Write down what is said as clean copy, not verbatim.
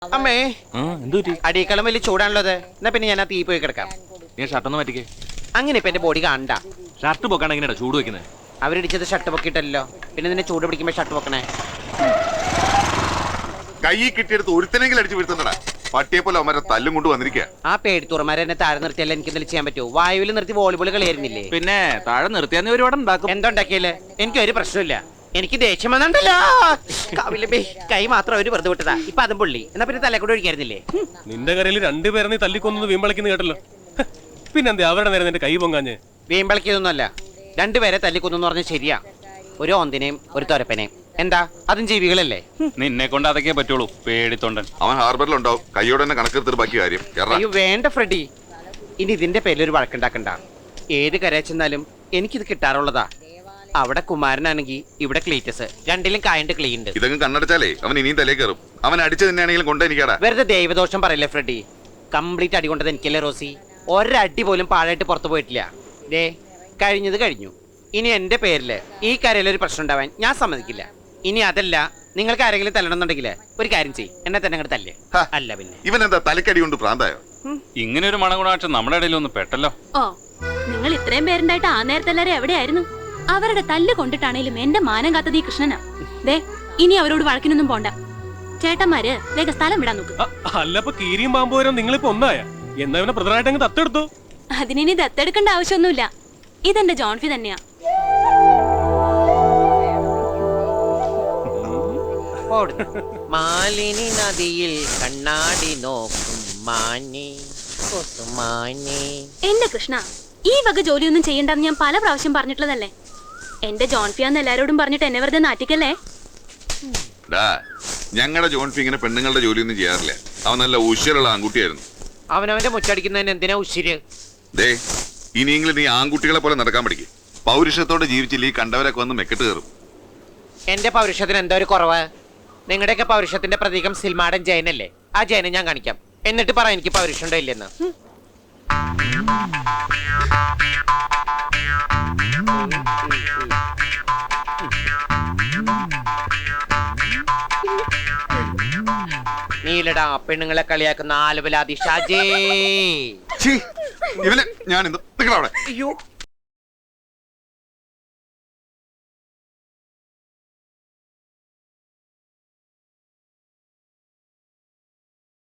അമ്മേ എന്തുപറ്റി? അടിയേക്കാളും വലിയ ചൂടാണല്ലോ അത്. എന്നാ പിന്നെ ഞാൻ ആ തീ പോയി കിടക്കാം. നീ ഷർട്ടൊന്ന് മാറ്റിക്കേ. അങ്ങനെ ഇപ്പൊ എന്റെ ബോഡി കാണണ്ട. ഷർട്ട് പൊക്കാണ് എങ്ങനെയാ ചൂട് വെക്കുന്നത്? അവരിടിച്ചത് ഷർട്ട് പൊക്കിയിട്ടല്ലോ, പിന്നെ നിന്നെ ചൂട് പിടിക്കുമ്പോ ഷർട്ട് പൊക്കണേ. കൈ കിട്ടിയെടുത്ത് ഒരുത്തനെങ്കിലും അടിച്ചു വീഴ്ത്തുന്നടാ. പട്ടിയെ പോലെ അവന്മാരെ തല്ലും കൊണ്ട് വന്നിരിക്കുക. ആ പേടിത്തുറമാരെ എന്നെ താഴെ നിർത്തിയല്ലേ എനിക്ക് എന്തെങ്കിലും ചെയ്യാൻ പറ്റുമോ? വായുവിൽ നിർത്തി വോളിബോൾ കളിയായിരുന്നില്ലേ? പിന്നെ താഴെ നിർത്തിയാൽ നീ ഒരുപാട് ഉണ്ടാക്കും. എന്തുണ്ടാക്കിയല്ലേ? എനിക്ക് ഒരു പ്രശ്നമില്ല. എനിക്ക് ദേഷ്യം വന്നിട്ടല്ലോ. കൈ മാത്രം അവര് വെറുതെ വിട്ടതാ. ഇപ്പൊ അതും പുള്ളി. എന്നാ പിന്നെ തലേ കൂടെ ഒഴിക്കായിരുന്നില്ലേ? നിന്റെ കരയിൽ രണ്ടുപേരെ നീ തല്ലിക്കൊന്നു വീമ്പളിക്കുന്ന കേട്ടല്ലോ. പിന്നെന്താ അവരുടെ നേരം നിന്റെ കൈ പൊങ്ങാഞ്ഞ്? വീമ്പളിക്കൊന്നുമല്ല, രണ്ടുപേരെ തല്ലിക്കൊന്നു പറഞ്ഞ ശരിയാ. ഒരു ഓന്തിനെയും ഒരു തൊരപ്പനെയും. എന്താ അതും ജീവികളല്ലേ? നിന്നെ കൊണ്ട് അതൊക്കെ പറ്റുള്ളൂ, പേടിത്തൊണ്ടൻ. അവൻ ഹാർബറിലുണ്ടാവും. കൈയോടെ തന്നെ കണക്കെടുത്തിട്ട് ബാക്കി കാര്യം. അയ്യോ വേണ്ട ഫ്രെഡി, ഇനി ഇതിന്റെ പേരിൽ ഒരു വഴക്കുണ്ടാക്കണ്ട. ഏത് കരയിൽ ചെന്നാലും എനിക്കിത് കിട്ടാറുള്ളതാ. അവിടെ കുമാരനാണെങ്കിൽ ഇവിടെ ക്ലീറ്റസ്, രണ്ടിലും കായണ്ട് ക്ലീണ്ട്. ഇതങ്ങ് കണ്ണടച്ചാലേ അവൻ ഇനിയും തലേ കയറും. അവൻ അടിച്ചു തന്നെയാണെങ്കിലും കൊണ്ടെനിക്കാടാ. വെറുതെ ദൈവദോഷം പറയില്ലേ ഫ്രെഡി. കംപ്ലീറ്റ് അടി കൊണ്ടത് എനിക്കല്ലേ റോസി. ഒരടി പോലും പാഴായിട്ട് പുറത്തു പോയിട്ടില്ല. ദേ കഴിഞ്ഞത് കഴിഞ്ഞു. ഇനി എന്റെ പേരില് ഈ കരയിൽ ഒരു പ്രശ്നം ഉണ്ടാവാൻ ഞാൻ സമ്മതിക്കില്ല. ഇനി അതല്ല, നിങ്ങൾക്ക് ആരെങ്കിലും തല്ലണമെന്നുണ്ടെങ്കിൽ ഒരു കാര്യം ചെയ്യും, എന്നെ തന്നെ അങ്ങോട്ട് തല്ലേ. അല്ല പിന്നെ ഇവൻ എന്താ തലക്കടി കൊണ്ട് ഭ്രാന്തായോ? ഇങ്ങനെ ഒരു മണഗുണാക്ഷം നമ്മുടെ ഇടയിൽ ഒന്ന് പെട്ടല്ലോ. ഓ, നിങ്ങൾ ഇത്രയും പേരുണ്ടായിട്ട് ആ നേരത്തെ എല്ലാരും എവിടെയായിരുന്നു? അവരുടെ തല്ല് കൊണ്ടിട്ടാണേലും എന്റെ മാനം കാത്തത് ഈ കൃഷ്ണനാ. ദേ ഇനി അവരോട് വഴക്കിനൊന്നും പോണ്ട. ചേട്ടന്മാര് വേഗം സ്ഥലം വിടാൻ നോക്ക്. അല്ലപ്പോ കീരിയും പാമ്പ് വരാൻ നിങ്ങളിപ്പോ ഒന്നായ എന്നാ ഇവനെ ബ്രദറായിട്ട് അങ്ങ് ദത്തെടുത്തു. അതിനി ദത്തെടുക്കേണ്ട ആവശ്യമൊന്നുമില്ല. ഇതെന്റെ ജോൺഫി തന്നെയാ. മാലിനി നദിയിൽ കണ്ണാടി നോക്കും മാനി മാനി. എന്റെ കൃഷ്ണ, ഈ വക ജോലിയൊന്നും ചെയ്യണ്ടെന്ന് ഞാൻ പല പ്രാവശ്യം പറഞ്ഞിട്ടുള്ളതല്ലേ. എന്റെ ജോൺഫിയാന്ന് എല്ലാരോടും പറഞ്ഞിട്ട് എന്നെ വെറുതെ നാട്ടിക്കല്ലേ. ഞങ്ങളുടെ ജോൺഫി ഇങ്ങനെ പെണ്ണുങ്ങളുടെ ജോലിയൊന്നും ചെയ്യാറില്ല. അവൻ നല്ല ഉശിരുള്ള ആൺകുട്ടിയായിരുന്നു. അവനവന്റെ മുച്ചടിക്കുന്നതിന് എന്തിനാ ഉശിര്? ദേ ഇനിയെങ്കിലും നീ ആൺകുട്ടികളെ പോലെ നടക്കാൻ പഠിക്കും. പൗരുഷത്തോടെ ജീവിച്ചില്ല ഈ കണ്ടവരൊക്കെ വന്ന് മെക്കെട്ട് കയറും. എന്റെ പൗരുഷത്തിന് എന്താ ഒരു കുറവ്? നിങ്ങളുടെയൊക്കെ പൗരുഷത്തിന്റെ പ്രതീകം സിൽമാടൻ ജയനല്ലേ? ആ ജയനെ ഞാൻ കാണിക്കാം, എന്നിട്ട് പറ എനിക്ക് പൗരുഷം ഉണ്ടോ ഇല്ലെന്ന്. നീലടാ പെണ്ണുങ്ങളെ കളിയാക്കുന്ന ആലുവലാതി ഷാജേ. ഇവനെ ഞാൻ അവിടെ അയ്യോ